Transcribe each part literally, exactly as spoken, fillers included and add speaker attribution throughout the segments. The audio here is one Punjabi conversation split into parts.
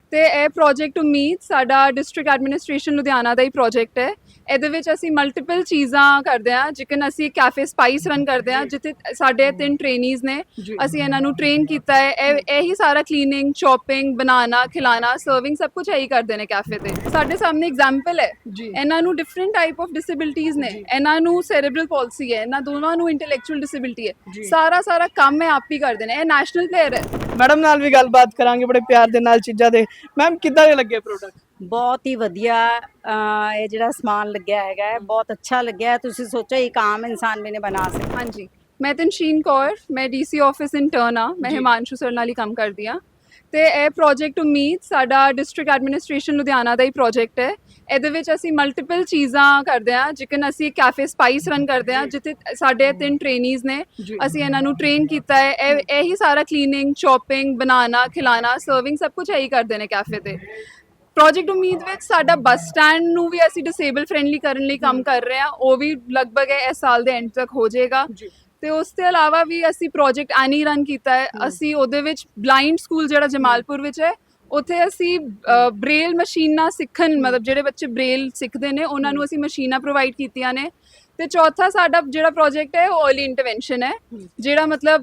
Speaker 1: ਤੇ ਇਹ ਪ੍ਰੋਜੈਕਟ ਉਮੀਦ ਸਾਡਾ ਡਿਸਟ੍ਰਿਕਟ ਐਡਮਿਨਿਸਟ੍ਰੇਸ਼ਨ ਲੁਧਿਆਣਾ ਦਾ ਹੀ ਪ੍ਰੋਜੈਕਟ ਹੈ। ਇਹਦੇ ਵਿੱਚ ਅਸੀਂ ਮਲਟੀਪਲ ਚੀਜ਼ਾਂ ਕਰਦੇ ਹਾਂ, ਜਿਕਨ ਅਸੀਂ ਕੈਫੇ ਸਪਾਈਸ ਰਨ ਕਰਦੇ ਹਾਂ, ਜਿੱਥੇ ਸਾਡੇ ਤਿੰਨ ਟ੍ਰੇਨੀਜ਼ ਨੇ। ਅਸੀਂ ਇਹਨਾਂ ਨੂੰ ਟ੍ਰੇਨ ਕੀਤਾ ਹੈ। ਇਹ ਇਹੀ ਸਾਰਾ ਕਲੀਨਿੰਗ, ਚੌਪਿੰਗ, ਬਣਾਉਣਾ, ਖਿਲਾਣਾ, ਸਰਵਿੰਗ ਸਭ ਕੁਝ ਇਹੀ ਕਰਦੇ ਨੇ ਕੈਫੇ ਤੇ। ਸਾਡੇ ਸਾਹਮਣੇ ਐਗਜ਼ਾਮਪਲ ਹੈ। ਇਹਨਾਂ ਨੂੰ ਡਿਫਰੈਂਟ ਟਾਈਪ ਆਫ ਡਿਸੇਬਿਲਿਟੀਜ਼ ਨੇ। ਇਹਨਾਂ ਨੂੰ ਸੈਰੇਬਰਲ ਪਾਲਸੀ ਹੈ, ਇਹਨਾਂ ਦੋਵਾਂ ਨੂੰ ਇੰਟੈਲੈਕਚੁਅਲ ਡਿਸੇਬਿਲਿਟੀ ਹੈ। ਸਾਰਾ ਸਾਰਾ ਕੰਮ ਇਹ ਆਪ ਹੀ ਕਰਦੇ ਨੇ। ਇਹ ਨੈਸ਼ਨਲ ਪਲੇਅਰ ਹੈ।
Speaker 2: ਮੈਡਮ ਨਾਲ ਵੀ ਗੱਲਬਾਤ ਕਰਾਂਗੇ ਬੜੇ ਪਿਆਰ ਦੇ ਨਾਲ ਚੀਜ਼ਾਂ ਦੇ। ਮੈਮ ਕਿੱਦਾਂ ਦੇ ਲੱਗੇ ਪ੍ਰੋਡਕਟ?
Speaker 3: ਬਹੁਤ ਹੀ ਵਧੀਆ। ਇਹ ਜਿਹੜਾ ਸਮਾਨ ਲੱਗਿਆ ਹੈਗਾ ਹੈ ਬਹੁਤ ਅੱਛਾ ਲੱਗਿਆ। ਤੁਸੀਂ ਸੋਚੋ ਇੱਕ ਆਮ ਇਨਸਾਨ ਵੀ ਨਹੀਂ ਬਣਾ ਸਕਦਾ।
Speaker 1: ਹਾਂਜੀ, ਮੈਂ ਤਨਸ਼ੀਨ ਕੌਰ, ਮੈਂ ਡੀਸੀ ਆਫਿਸ ਇੰਟਰਨ ਆ। ਮੈਂ ਹਿਮਾਂਸ਼ੂ ਸਰ ਨਾਲ ਹੀ ਕੰਮ ਕਰਦੀ ਹਾਂ। ਤੇ ਇਹ ਪ੍ਰੋਜੈਕਟ ਉਮੀਦ ਸਾਡਾ ਡਿਸਟ੍ਰਿਕਟ ਐਡਮਿਨਿਸਟ੍ਰੇਸ਼ਨ ਲੁਧਿਆਣਾ ਦਾ ਹੀ ਪ੍ਰੋਜੈਕਟ ਹੈ। ਇਹਦੇ ਵਿੱਚ ਅਸੀਂ ਮਲਟੀਪਲ ਚੀਜ਼ਾਂ ਕਰਦੇ ਹਾਂ, ਜਿਕਨ ਅਸੀਂ ਕੈਫੇ ਸਪਾਈਸ ਰਨ ਕਰਦੇ ਹਾਂ, ਜਿੱਥੇ ਸਾਡੇ ਤਿੰਨ ਟ੍ਰੇਨੀਜ਼ ਨੇ। ਅਸੀਂ ਇਹਨਾਂ ਨੂੰ ਟ੍ਰੇਨ ਕੀਤਾ ਹੈ। ਇਹ ਇਹੀ ਸਾਰਾ ਕਲੀਨਿੰਗ, ਚੌਪਿੰਗ, ਬਣਾਉਣਾ, ਖਿਲਾਣਾ, ਸਰਵਿੰਗ ਸਭ ਕੁਝ ਇਹੀ ਕਰਦੇ ਨੇ ਕੈਫੇ ਤੇ। ਪ੍ਰੋਜੈਕਟ ਉਮੀਦ ਵਿੱਚ ਸਾਡਾ ਬੱਸ ਸਟੈਂਡ ਨੂੰ ਵੀ ਅਸੀਂ ਡਿਸੇਬਲ ਫ੍ਰੈਂਡਲੀ ਕਰਨ ਲਈ ਕੰਮ ਕਰ ਰਹੇ ਹਾਂ। ਉਹ ਵੀ ਲਗਭਗ ਇਸ ਸਾਲ ਦੇ ਐਂਡ ਤੱਕ ਹੋ ਜਾਏਗਾ। ਤੇ ਉਸ ਤੋਂ ਇਲਾਵਾ ਵੀ ਅਸੀਂ ਪ੍ਰੋਜੈਕਟ ਐਨੀ ਰਨ ਕੀਤਾ ਹੈ। ਅਸੀਂ ਉਹਦੇ ਵਿੱਚ ਬਲਾਈਂਡ ਸਕੂਲ ਜਿਹੜਾ ਜਮਾਲਪੁਰ ਵਿੱਚ ਹੈ, ਉੱਥੇ ਅਸੀਂ ਬ੍ਰੇਲ ਮਸ਼ੀਨਾਂ ਸਿੱਖਣ, ਮਤਲਬ ਜਿਹੜੇ ਬੱਚੇ ਬ੍ਰੇਲ ਸਿੱਖਦੇ ਨੇ ਉਹਨਾਂ ਨੂੰ ਅਸੀਂ ਮਸ਼ੀਨਾਂ ਪ੍ਰੋਵਾਈਡ ਕੀਤੀਆਂ ਨੇ। ਤੇ ਚੌਥਾ ਸਾਡਾ ਜਿਹੜਾ ਪ੍ਰੋਜੈਕਟ ਹੈ ਉਹ अर्ਲੀ ਇੰਟਰਵੈਂਸ਼ਨ ਹੈ, ਜਿਹੜਾ ਮਤਲਬ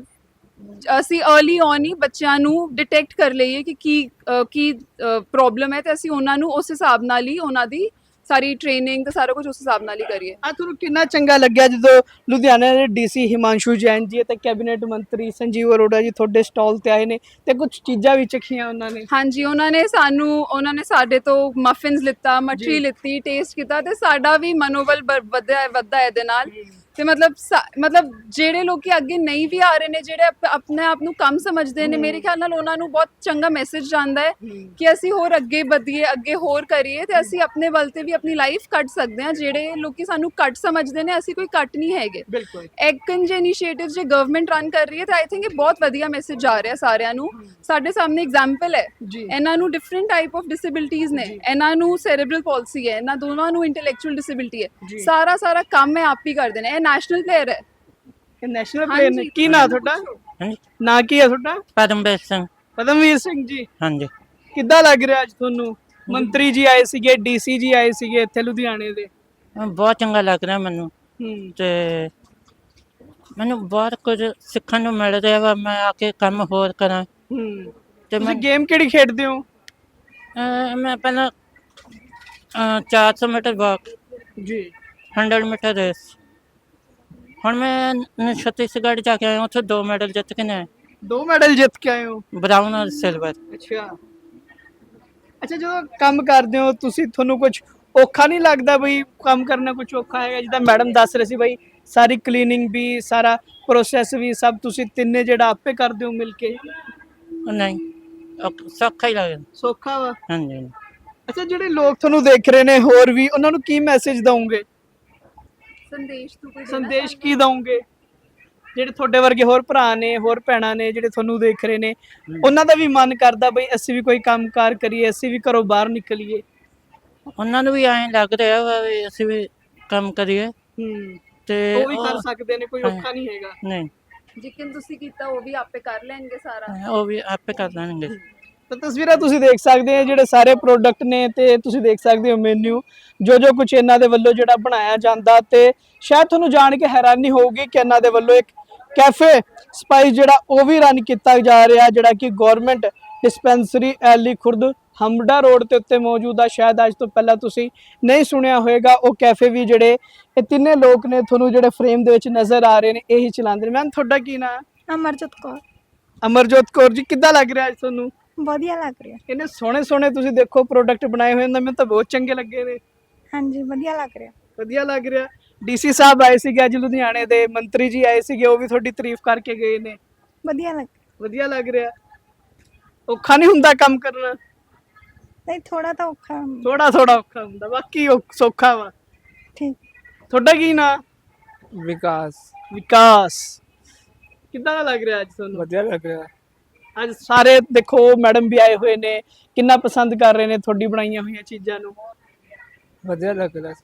Speaker 1: ਅਸੀਂ अर्ਲੀ ਔਨ ਹੀ ਬੱਚਿਆਂ ਨੂੰ ਡਿਟੈਕਟ ਕਰ ਲਈਏ ਕਿ ਕੀ ਕੀ ਪ੍ਰੋਬਲਮ ਹੈ, ਤੇ ਅਸੀਂ ਉਹਨਾਂ ਨੂੰ ਉਸ ਹਿਸਾਬ ਨਾਲ ਹੀ ਉਹਨਾਂ ਦੀ ਸਾਰੀ ਟ੍ਰੇਨਿੰਗ ਤੇ ਸਾਰਾ ਕੁਝ ਉਸ ਹਿਸਾਬ ਨਾਲ ਹੀ ਕਰੀਏ।
Speaker 2: ਆ ਤੁਹਾਨੂੰ ਕਿੰਨਾ ਚੰਗਾ ਲੱਗਿਆ ਜਦੋਂ ਲੁਧਿਆਣਾ ਦੇ ਡੀਸੀ ਹਿਮਾਂਸ਼ੂ ਜੈਨ ਜੀ ਤੇ ਕੈਬਨਿਟ ਮੰਤਰੀ ਸੰਜੀਵ ਅਰੋੜਾ ਜੀ ਤੁਹਾਡੇ ਸਟਾਲ ਤੇ ਆਏ ਨੇ ਤੇ ਕੁਝ ਚੀਜ਼ਾਂ ਵੀ ਚਖੀਆਂ ਉਹਨਾਂ ਨੇ?
Speaker 1: ਹਾਂਜੀ, ਉਹਨਾਂ ਨੇ ਸਾਨੂੰ ਉਹਨਾਂ ਨੇ ਸਾਡੇ ਤੋਂ ਮਫਿਨਸ ਲਿੱਤਾ, ਮਠਰੀ ਲਿੱਤੀ, ਟੇਸਟ ਕੀਤਾ ਤੇ ਸਾਡਾ ਵੀ ਮਨੋਬਲ ਵਧਿਆ ਵਧਦਾ ਇਹਦੇ ਨਾਲ। ਤੇ ਮਤਲਬ ਮਤਲਬ ਜਿਹੜੇ ਲੋਕੀ ਅੱਗੇ ਨਹੀਂ ਵੀ ਆ ਰਹੇ ਨੇ, ਜਿਹੜੇ ਆਪਣੇ ਆਪ ਨੂੰ ਕਮ ਸਮਝਦੇ ਨੇ, ਮੇਰੇ ਖਿਆਲ ਨਾਲ ਉਹਨਾਂ ਨੂੰ ਬਹੁਤ ਚੰਗਾ ਮੈਸੇਜ ਜਾਂਦਾ ਹੈ ਕਿ ਅਸੀਂ ਹੋਰ ਅੱਗੇ ਵਧੀਏ, ਅੱਗੇ ਹੋਰ ਕਰੀਏ ਤੇ ਅਸੀਂ ਆਪਣੇ ਵੱਲ ਤੇ ਵੀ ਆਪਣੀ ਲਾਈਫ ਕੱਢ ਸਕਦੇ ਹਾਂ। ਜਿਹੜੇ ਲੋਕੀ ਸਾਨੂੰ ਘੱਟ ਸਮਝਦੇ ਨੇ, ਅਸੀਂ ਕੋਈ ਘੱਟ ਨਹੀਂ ਹੈਗੇ। ਐਕਨ ਜੇ ਇਨੀਸ਼ੀਏਟਿਵ ਜੇ ਗਵਰਨਮੈਂਟ ਰਨ ਕਰ ਰਹੀ ਹੈ ਤਾਂ ਆਈ ਥਿੰਕ ਇਹ ਬਹੁਤ ਵਧੀਆ ਮੈਸੇਜ ਜਾ ਰਿਹਾ ਸਾਰਿਆਂ ਨੂੰ। ਸਾਡੇ ਸਾਹਮਣੇ ਐਗਜ਼ਾਮਪਲ ਹੈ। ਇਹਨਾਂ ਨੂੰ ਡਿਫਰੈਂਟ ਟਾਈਪ ਆਫ ਡਿਸੇਬਿਲਿਟੀਜ਼ ਨੇ। ਇਹਨਾਂ ਨੂੰ ਸੈਰੇਬਰਲ ਪਾਲਸੀ ਹੈ, ਇਹਨਾਂ ਦੋਵਾਂ ਨੂੰ ਇੰਟੈਲੈਕਚੁਅਲ ਡਿਸੇਬਿਲਿਟੀ ਹੈ। ਸਾਰਾ ਸਾਰਾ ਕੰਮ ਇਹ ਆਪ ਹੀ ਕਰਦੇ ਨੇ। ਇਹ ਨੈਸ਼ਨਲ ਪਲੇਅਰ ਹੈ।
Speaker 2: ਇਹ ਨੈਸ਼ਨਲ ਪਲੇਅਰ ਨੇ। ਕੀ ਨਾਂ ਤੁਹਾਡਾ?
Speaker 4: ਹਾਂਜੀ,
Speaker 2: ਨਾਂ ਕੀ ਹੈ ਤੁਹਾਡਾ?
Speaker 4: ਪਰਮਵੀਰ ਸਿੰਘ।
Speaker 2: ਪਰਮਵੀਰ ਸਿੰਘ ਜੀ,
Speaker 4: ਹਾਂਜੀ।
Speaker 2: ਕਿੱਦਾਂ ਲੱਗ ਰਿਹਾ ਅੱਜ ਤੁਹਾਨੂੰ? ਮੰਤਰੀ ਜੀ ਆਏ ਸੀਗੇ, ਡੀਸੀ ਜੀ ਆਏ ਸੀਗੇ ਇੱਥੇ ਲੁਧਿਆਣੇ ਦੇ।
Speaker 4: ਬਹੁਤ ਚੰਗਾ ਲੱਗ ਰਿਹਾ ਮੈਨੂੰ
Speaker 2: ਹੂੰ
Speaker 4: ਤੇ ਮੈਨੂੰ ਬਹੁਤ ਕੁਝ ਸਿੱਖਣ ਨੂੰ ਮਿਲ ਰਿਹਾ ਵਾ। ਮੈਂ ਆ ਕੇ ਕੰਮ ਹੋਰ ਕਰਾਂ।
Speaker 2: ਹੂੰ
Speaker 4: ਤੇ
Speaker 2: ਤੁਸੀਂ
Speaker 4: ਮੈਂ
Speaker 2: ਗੇਮ ਕਿਹੜੀ ਖੇਡਦੇ ਹੋ?
Speaker 4: ਅਹ ਮੈਂ ਪਹਿਲਾਂ ਚਾਰ ਸੌ ਮੀਟਰ ਵਾਕ
Speaker 2: ਜੀ,
Speaker 4: ਹੰਡਰਡ ਮੀਟਰ ਰੇਸ। ਹੁਣ ਮੈਂ ਛੱਤੀਸਗੜ੍ਹ ਜਾ ਕੇ ਆਇਆ, ਉੱਥੇ ਦੋ ਮੈਡਲ ਜਿੱਤ ਕੇ ਨੇ।
Speaker 2: ਦੋ ਮੈਡਲ ਜਿੱਤ ਕੇ ਆਏ ਹੋ?
Speaker 4: ਬਰਾਊਨ ਔਰ ਸਿਲਵਰ।
Speaker 2: ਅੱਛਾ ਅੱਛਾ, ਜਦੋਂ ਕੰਮ ਕਰਦੇ ਹੋ ਤੁਸੀਂ, ਤੁਹਾਨੂੰ ਕੁਝ ਔਖਾ ਨਹੀਂ ਲੱਗਦਾ ਬਈ ਕੰਮ ਕਰਨਾ ਕੁਝ ਔਖਾ ਹੈਗਾ? ਜਿੱਦਾਂ ਮੈਡਮ ਦੱਸ ਰਹੇ ਸੀ ਬਈ ਸਾਰੀ ਕਲੀਨਿੰਗ ਵੀ, ਸਾਰਾ ਪ੍ਰੋਸੈਸ ਵੀ ਸਭ ਤੁਸੀਂ ਤਿੰਨੇ ਜਿਹੜਾ ਆਪੇ ਕਰਦੇ ਹੋ ਮਿਲ ਕੇ?
Speaker 4: ਨਹੀਂ, ਔਖ- ਸੌਖਾ ਹੀ ਲੱਗਦਾ।
Speaker 2: ਸੌਖਾ ਵਾ?
Speaker 4: ਹਾਂਜੀ।
Speaker 2: ਅੱਛਾ, ਜਿਹੜੇ ਲੋਕ ਤੁਹਾਨੂੰ ਦੇਖ ਰਹੇ ਨੇ ਹੋਰ ਵੀ, ਉਹਨਾਂ ਨੂੰ ਕੀ ਮੈਸੇਜ ਦਵੋਗੇ?
Speaker 1: ਸੰਦੇਸ਼ ਤੋਂ ਕੋਈ
Speaker 2: ਸੰਦੇਸ਼ ਕੀ ਦਵੋਗੇ? ਜਿਹੜੇ ਤੁਹਾਡੇ ਵਰਗੇ ਹੋਰ ਭਰਾ ਨੇ, ਹੋਰ ਭੈਣਾਂ ਨੇ ਜਿਹੜੇ ਤੁਹਾਨੂੰ ਦੇਖ ਰਹੇ ਨੇ, ਉਹਨਾਂ ਦਾ ਵੀ ਮਨ ਕਰਦਾ ਬਈ ਅਸੀਂ ਵੀ ਕੋਈ ਕੰਮਕਾਰ ਕਰੀਏ, ਅਸੀਂ ਵੀ ਘਰੋਂ ਬਾਹਰ ਨਿਕਲੀਏ।
Speaker 4: ਉਹਨਾਂ ਨੂੰ ਵੀ ਐਂ ਲੱਗ ਰਿਹਾ ਵਾ ਵੀ ਅਸੀਂ ਵੀ ਕੰਮ ਕਰੀਏ
Speaker 2: ਹੂੰ
Speaker 4: ਤੇ
Speaker 2: ਉਹ ਵੀ ਕਰ ਸਕਦੇ ਨੇ, ਕੋਈ ਔਖਾ ਨਹੀਂ ਹੈਗਾ।
Speaker 4: ਨਹੀਂ,
Speaker 1: ਜਿਕਨ ਤੁਸੀਂ ਕੀਤਾ ਉਹ ਵੀ ਆਪੇ ਕਰ ਲੈਣਗੇ ਸਾਰਾ।
Speaker 4: ਉਹ ਵੀ ਆਪੇ ਕਰ ਲੈਣਗੇ।
Speaker 2: ਤਾਂ ਤਸਵੀਰਾਂ ਤੁਸੀਂ ਦੇਖ ਸਕਦੇ ਹੋ, ਜਿਹੜੇ ਸਾਰੇ ਪ੍ਰੋਡਕਟ ਨੇ ਤੇ ਤੁਸੀਂ ਦੇਖ ਸਕਦੇ ਹੋ ਮੈਨੂ, ਜੋ ਜੋ ਕੁਝ ਇਹਨਾਂ ਦੇ ਵੱਲੋਂ ਜਿਹੜਾ ਬਣਾਇਆ ਜਾਂਦਾ। ਤੇ ਸ਼ਾਇਦ ਤੁਹਾਨੂੰ ਜਾਣ ਕੇ ਹੈਰਾਨੀ ਹੋਊਗੀ ਕਿ ਇਹਨਾਂ ਦੇ ਵੱਲੋਂ ਇੱਕ ਕੈਫੇ ਸਪਾਈਸ ਜਿਹੜਾ ਉਹ ਵੀ ਰਨ ਕੀਤਾ ਜਾ ਰਿਹਾ, ਜਿਹੜਾ ਕਿ ਗਵਰਨਮੈਂਟ ਡਿਸਪੈਂਸਰੀ ਐਲੀ ਖੁਰਦ ਹਮਡਾ ਰੋਡ ਤੇ ਉੱਤੇ ਮੌਜੂਦ ਆ। ਸ਼ਾਇਦ ਅੱਜ ਤੋਂ ਪਹਿਲਾਂ ਤੁਸੀਂ ਨਹੀਂ ਸੁਣਿਆ ਹੋਏਗਾ। ਉਹ ਕੈਫੇ ਵੀ ਜਿਹੜੇ ਇਹ ਤਿੰਨੇ ਲੋਕ ਨੇ ਤੁਹਾਨੂੰ ਜਿਹੜੇ ਫਰੇਮ ਦੇ ਵਿੱਚ ਨਜ਼ਰ ਆ ਰਹੇ ਨੇ, ਇਹੀ ਚਲਾਉਂਦੇ ਨੇ। ਮੈਮ ਤੁਹਾਡਾ ਕੀ ਨਾਮ?
Speaker 5: ਅਮਰਜੋਤ ਕੌਰ।
Speaker 2: ਅਮਰਜੋਤ ਕੌਰ ਜੀ, ਕਿੱਦਾਂ ਲੱਗ ਰਿਹਾ ਅੱਜ ਤੁਹਾਨੂੰ?
Speaker 5: ਵਧੀਆ ਲੱਗ ਰਿਹਾ।
Speaker 2: ਇਹਨੇ ਸੋਹਣੇ ਸੋਹਣੇ ਤੁਸੀਂ ਦੇਖੋ ਪ੍ਰੋਡਕਟ ਬਣਾਏ ਹੋਏ ਨੇ, ਮੈਨੂੰ ਤਾਂ ਬਹੁਤ ਚੰਗੇ ਲੱਗੇ ਨੇ।
Speaker 5: ਹਾਂਜੀ, ਵਧੀਆ ਲੱਗ ਰਿਹਾ।
Speaker 2: ਵਧੀਆ ਲੱਗ ਰਿਹਾ। ਡੀਸੀ ਸਾਹਿਬ ਆਏ ਸੀਗੇ ਅੱਜ ਲੁਧਿਆਣੇ ਦੇ, ਮੰਤਰੀ ਜੀ ਆਏ ਸੀਗੇ, ਉਹ ਵੀ ਤੁਹਾਡੀ ਤਾਰੀਫ ਕਰਕੇ ਗਏ ਨੇ।
Speaker 5: ਵਧੀਆ ਲੱਗ
Speaker 2: ਵਧੀਆ ਲੱਗ ਰਿਹਾ। ਔਖਾ ਨਹੀਂ ਹੁੰਦਾ ਕੰਮ ਕਰਨਾ?
Speaker 5: ਨਹੀਂ, ਥੋੜਾ ਤਾਂ ਔਖਾ।
Speaker 2: ਥੋੜਾ ਥੋੜਾ ਔਖਾ ਹੁੰਦਾ, ਬਾਕੀ ਸੌਖਾ ਵਾ।
Speaker 5: ਠੀਕ।
Speaker 2: ਤੁਹਾਡਾ ਕੀ ਨਾਂ?
Speaker 6: ਵਿਕਾਸ।
Speaker 2: ਵਿਕਾਸ, ਕਿੱਦਾਂ ਦਾ ਲੱਗ ਰਿਹਾ ਅੱਜ ਤੁਹਾਨੂੰ?
Speaker 6: ਵਧੀਆ ਲੱਗ ਰਿਹਾ।
Speaker 2: ਅੱਜ ਸਾਰੇ ਦੇਖੋ ਮੈਡਮ ਵੀ ਆਏ ਹੋਏ ਨੇ, ਕਿੰਨਾ ਪਸੰਦ ਕਰ ਰਹੇ ਨੇ ਤੁਹਾਡੀ ਬਣਾਈਆਂ ਹੋਈਆਂ ਚੀਜ਼ਾਂ ਨੂੰ।
Speaker 6: ਵਧੀਆ ਲੱਗ ਰਿਹਾ ਸਰ।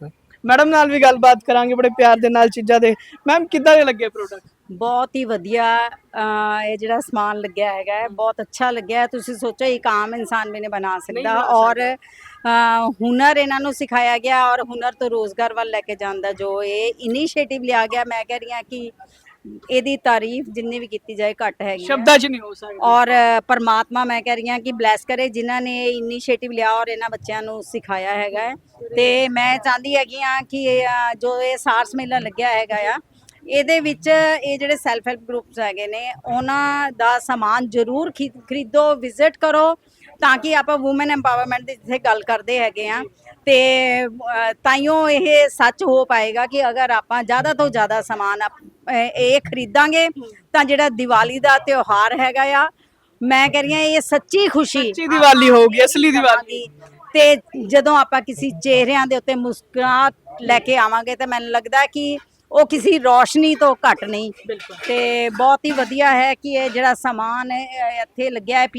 Speaker 2: ਮੈਡਮ ਨਾਲ ਵੀ ਗੱਲਬਾਤ ਕਰਾਂਗੇ ਬੜੇ ਪਿਆਰ ਦੇ ਨਾਲ ਚੀਜ਼ਾਂ ਦੇ। ਮੈਮ ਕਿੱਦਾਂ ਦੇ ਲੱਗੇ ਪ੍ਰੋਡਕਟ?
Speaker 3: ਬਹੁਤ ਹੀ ਵਧੀਆ ਅਹ ਇਹ ਜਿਹੜਾ ਸਮਾਨ ਲੱਗਿਆ ਹੈਗਾ ਹੈ, ਬਹੁਤ ਅੱਛਾ ਲੱਗਿਆ ਹੈ। ਤੁਸੀਂ ਸੋਚੋ ਇੱਕ ਆਮ ਇਨਸਾਨ ਵੀ ਨਹੀਂ ਬਣਾ ਸਕਦਾ,
Speaker 2: ਬਣਾ
Speaker 3: ਔਰ ਅਹ ਹੁਨਰ ਇਹਨਾਂ ਨੂੰ ਸਿਖਾਇਆ ਗਿਆ, ਔਰ ਹੁਨਰ ਤੋਂ ਰੋਜ਼ਗਾਰ ਵੱਲ ਲੈ ਕੇ ਜਾਂਦਾ ਜੋ ਇਹ ਇਨੀਸ਼ੀਏਟਿਵ ਲਿਆ ਗਿਆ, ਮੈਂ ਕਹਿ ਰਹੀ ਹਾਂ ਕਿ ਇਹਦੀ ਤਾਰੀਫ ਜਿੰਨੀ ਵੀ ਕੀਤੀ ਜਾਏ ਘੱਟ ਹੈਗੀ ਹੈ।
Speaker 2: ਸ਼ਬਦਾਂ 'ਚ ਨਹੀਂ ਹੋ ਸਕਦਾ।
Speaker 3: ਔਰ ਪਰਮਾਤਮਾ ਮੈਂ ਕਹਿ ਰਹੀ ਹਾਂ ਕਿ ਬਲੈਸ ਕਰੇ ਜਿਨ੍ਹਾਂ ਨੇ ਇਹ ਇਨੀਸ਼ੀਏਟਿਵ ਲਿਆ ਔਰ ਇਹਨਾਂ ਬੱਚਿਆਂ ਨੂੰ ਸਿਖਾਇਆ ਹੈਗਾ ਹੈ। ਤੇ ਮੈਂ ਚਾਹੁੰਦੀ ਹੈਗੀ ਹਾਂ ਕਿ ਇਹ, ਅ, ਜੋ ਇਹ ਸਾਰਸ ਮੇਲਾ ਲੱਗਿਆ ਹੈਗਾ ਆ, ਇਹਦੇ ਵਿੱਚ ਇਹ ਜਿਹੜੇ ਸੈਲਫ ਹੈਲਪ ਗਰੁੱਪਸ ਹੈਗੇ ਨੇ ਉਹਨਾਂ ਦਾ ਸਮਾਨ ਜ਼ਰੂਰ ਖੀ- ਖਰੀਦੋ, ਵਿਜ਼ਿਟ ਕਰੋ, ਤਾਂ ਕਿ ਆਪਾਂ ਔਮਨ ਐਮਪਾਵਰਮੈਂਟ ਦੀ ਜਿੱਥੇ ਗੱਲ ਕਰਦੇ ਹੈਗੇ ਆ ਤੇ ਅ, ਤਾਈਓ ਇਹ ਸੱਚ ਹੋ ਪਾਏਗਾ ਕਿ ਅਗਰ ਆਪਾਂ ਜ਼ਿਆਦਾ ਤੋਂ ਜ਼ਿਆਦਾ ਸਮਾਨ ਆਪ- ਅ, ਇਹ ਖਰੀਦਾਂਗੇ ਤਾਂ ਜਿਹੜਾ ਦੀਵਾਲੀ ਦਾ ਤਿਉਹਾਰ ਹੈਗਾ ਆ, ਮੈਂ ਕਹਿ ਰਹੀ ਹਾਂ ਇਹ ਸੱਚੀ ਖੁਸ਼ੀ
Speaker 2: ਸੱਚੀ ਦੀਵਾਲੀ ਹੋਊਗੀ, ਅਸਲੀ ਦੀਵਾਲੀ।
Speaker 3: ਤੇ ਜਦੋਂ ਆਪਾਂ ਕਿਸੇ ਚਿਹਰਿਆਂ ਦੇ ਉੱਤੇ ਮੁਸਕਰਾਹਟ ਲੈ ਕੇ ਆਵਾਂਗੇ ਤਾਂ ਮੈਨੂੰ ਲੱਗਦਾ ਕਿ ਉਹ ਕਿਸੇ ਰੋਸ਼ਨੀ ਤੋਂ ਘੱਟ ਨਹੀਂ। ਤੇ ਬਹੁਤ ਹੀ ਵਧੀਆ ਹੈ ਕਿ ਇਹ ਜਿਹੜਾ ਸਮਾਨ ਹੈ, ਇੱਥੇ ਲੱਗਿਆ ਹੈ।